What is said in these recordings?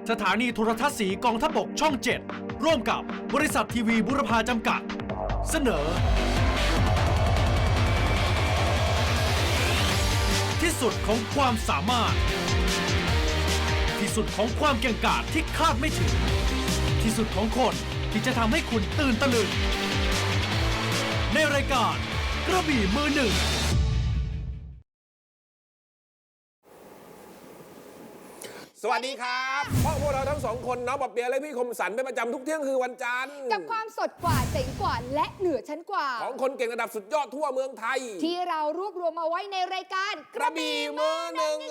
สถานีโทรทัศน์สีกองทัพบกช่อง 7 ร่วมกับบริษัททีวีบุรพาจำกัด เสนอ ที่สุดของความสามารถ ที่สุดของความเก่งกาจที่คาดไม่ถึง ที่สุดของคนที่จะทำให้คุณตื่นตะลึง ในรายการกระบี่มือหนึ่งสวัสดีครับพวกเราทั้งสองคนน้องปอบเปียะและพี่คมสันเป็นประจำทุกเที่ยงคือวันจันทร์กับความสดกว่าเจ๋งกว่าและเหนือชั้นกว่าของคนเก่งระดับสุดยอดทั่วเมืองไทยที่เรารวบรวมมาไว้ในรายการกระบี่มือหนึ่ง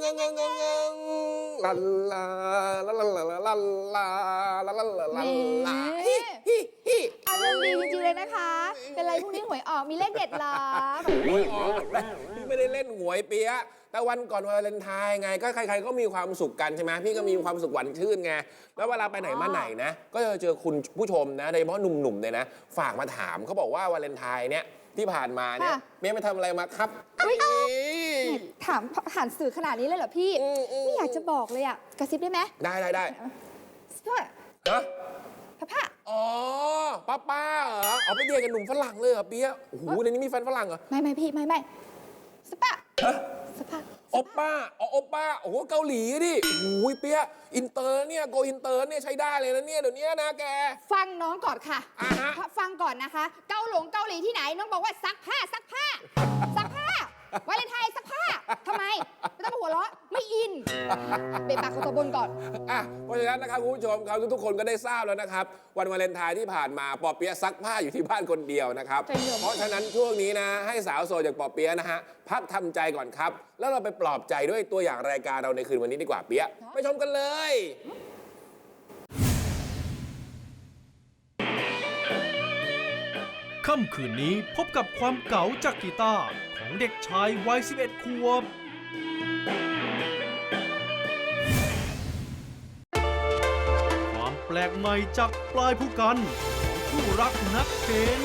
ลาลาลาลาลาลาลาลาลาลาลาลาอารมณ์ดีจริงๆเลยนะคะ เป็นไรพรุ่งนี้หวยออกมีเลขเด็ดเหรอหวยออกพี่ไม่ได้เล่นหวยเปียะแต่วันก่อนวาเลนไทน์ไงก็ใครๆก็มีความสุขกันใช่ไหมพี่ก็มีความสุขหวานชื่นไงแล้วเวลาไปไหนมาไหนนะก็จะเจอคุณผู้ชมนะโดยเฉพาะหนุ่มๆเนี่ยนะฝากมาถามเขาบอกว่าวาเลนไทน์เนี่ยที่ผ่านมาเนี่ยเมียไปทำอะไรมาครับถามผ่านสื่อขนาดนี้เลยเหรอพี่ไม่อยากจะบอกเลยอ่ะกระซิบได้ไหมได้ฮะพ่ออ๋อป้าเหรอเอาไปเดียกับหนุ่มฝรั่งเลยเหรอเปียะโอ้โหในนี้มีแฟนฝรั่งเหรอไม่พี่ไม่สปะโอป้าโอป้าโอ้โหเกาหลีดิโอ้โหเปียะอินเตอร์เนี่ยโกอินเตอร์เนี่ยใช้ได้เลยนะเนี่ยเดี๋ยวนี้นะแกฟังน้องก่อนค่ะฟังก่อนนะคะเกาหลีที่ไหนน้องบอกว่าซักผ้าวาเลนไทน์ซักผ้าทำไมไม่ต้องมาหัวเราะไม่อินเบะปากเขาตัวบนก่อนเพราะฉะนั้นนะครับคุณผู้ชมครับทุกคนก็ได้ทราบแล้วนะครับวันวาเลนไทน์ที่ผ่านมาปอเปี๊ยะซักผ้าอยู่ที่บ้านคนเดียวนะครับเพราะฉะนั้นช่วงนี้นะให้สาวโสดอย่างปอเปี๊ยะนะฮะพักทำใจก่อนครับแล้วเราไปปลอบใจด้วยตัวอย่างรายการเราในคืนวันนี้ดีกว่าเปี๊ยะไปชมกันเลยค่ำคืนนี้พบกับความเก๋าจากกีตาร์ของเด็กชายวัย 11 ขวบความแปลกใหม่จากปลายผู้กันของคู่รักนักเพลง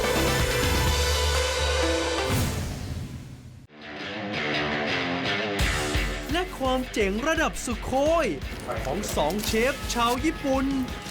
และความเจ๋งระดับสุโคยของ2 เชฟชาวญี่ปุ่น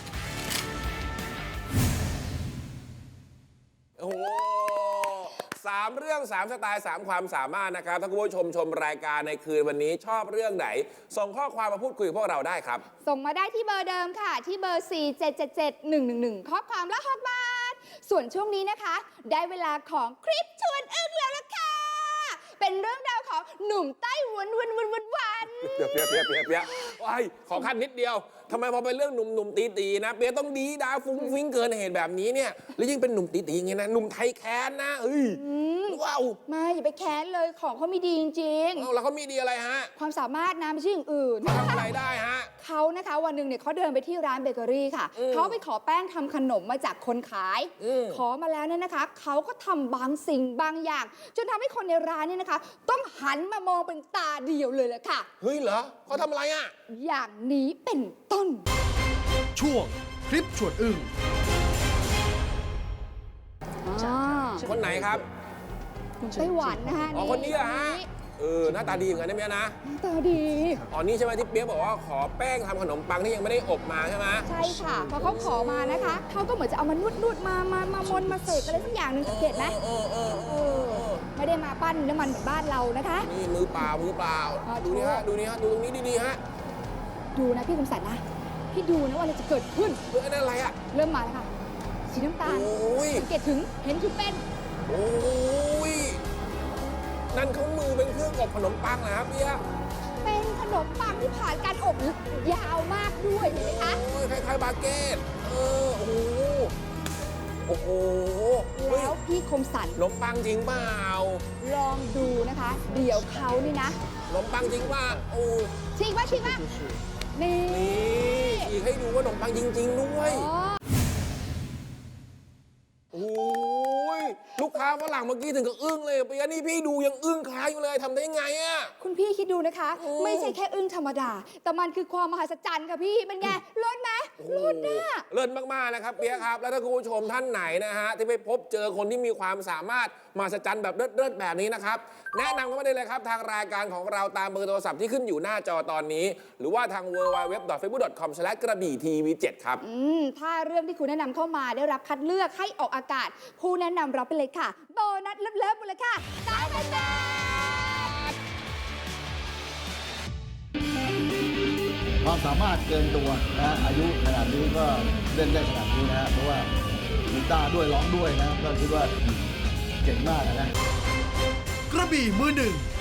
โอ้โห3 เรื่อง 3 สไตล์ 3 ความสามารถนะครับถ้าคุณผู้ชมรายการในคืนวันนี้ชอบเรื่องไหนส่งข้อความมาพูดคุยกับพวกเราได้ครับส่งมาได้ที่เบอร์เดิมค่ะที่เบอร์ 4777111ข้อความละ6 บาทส่วนช่วงนี้นะคะได้เวลาของคลิปชวนอึ้งแล้วล่ะค่ะเป็นเรื่องราวของหนุ่มไต้หวันเปียว้ายขอขั้นนิดเดียวทำไมพอเป็นเรื่องหนุ่มตีนะเปียต้องดีดาฟุ้งฟิ้งเกินเหตุแบบนี้เนี่ยแล้วยิ่งเป็นหนุ่มตีอย่างเงี้ยนะหนุ่มไทยแค้นนะว้าวมาอย่าไปแค้นเลยของเขามีดีจริงๆแล้วเขามีดีอะไรฮะความสามารถนะไม่ใช่อย่างอื่นทำอะไรได้ฮะเขานะคะวันหนึ่งเนี่ยเขาเดินไปที่ร้านเบเกอรี่ค่ะเขาไปขอแป้งทำขนมมาจากคนขายขอมาแล้วเนี่ยนะคะเขาก็ทำบางสิ่งบางอย่างจนทำให้คนในร้านเนี่ยนะคะต้องหันมามองเป็นตาเดียวเลยแหละค่ะเฮ้ยเหรอเขาทำอะไรอ่ะอย่างนี้เป็นต้นช่วงคลิปชวนอึ้งคนไหนครับไต้หวันนะคะคนนี้อะฮะหน้าตาดีเหมือนกันนะเมียนะหน้าตาดีนี่ใช่ไหมที่เปี๊ยกบอกว่าขอแป้งทำขนมปังที่ยังไม่ได้อบมาใช่ไหมใช่ค่ะพอเขาขอมานะคะเขาก็เหมือนจะเอามานวดมามนมาเสกอะไรสักอย่างหนึ่งสังเกตไหมไม่ได้มาปั้นน้ำมันเหมือนบ้านเรานะคะนี่มือเปล่าดูนี่ฮะดูตรงนี้ดีๆฮะดูนะพี่คมสันนะพี่ดูนะว่าอะไรจะเกิดขึ้นนั่นอะไรอะเริ่มมาแล้วค่ะสีน้ำตาลสังเกตถึงเห็นถึงเป็นนั่นเขามือเป็นเครื่องอบขนมปังนะครับพี่เป็นขนมปังที่ผ่านการอบยาวมากด้วยเห็นไหมคะคล้ายๆบาเกตโอ้โหแล้วพี่คมสันขนมปังจริงเปล่าลองดูนะคะเดี๋ยวเขานี่นะขนมปังจริงป่ะชิงป่ะนี่อีกให้ดูว่าขนมปังจริงๆด้วยโอ้ยลูกค้าฝรั่งเมื่อกี้ถึงกับอึ้งเลยเปียนี่พี่ดูยังอึ้งค้างอยู่เลยทำได้ยังไงอะคุณพี่คิดดูนะคะ ไม่ใช่แค่อึ้งธรรมดา แต่มันคือความมหัศจรรย์ค่ะพี่เป็นไงลดไหมลดน่ะเลิศมากๆนะครับเปียครับแล้วถ้าคุณผู้ชมท่านไหนนะฮะที่ไปพบเจอคนที่มีความสามารถมหัศจรรย์แบบเลิศๆแบบนี้นะครับแนะนำเข้ามาได้เลยครับทางรายการของเราตามเบอร์โทรศัพท์ที่ขึ้นอยู่หน้าจอตอนนี้ หรือว่าทาง www.facebook.com/ กระบี่ทีวี7ครับถ้าเรื่องที่คุณแนะนำเข้ามาได้รับคัดเลือกให้ออกอากาศ ผู้แนะนำรับไปเลยค่ะ โบนัสเลิฟๆไปเลยค่ะ3,000 บาทความสามารถเกินตัวนะฮะอายุขนาดนี้ก็เล่นได้ขนาดนี้นะฮะเพราะว่ากีตาร์ด้วยร้องด้วยนะก็คิดว่าเก่งมากนะกระบี่มือหนึ่ง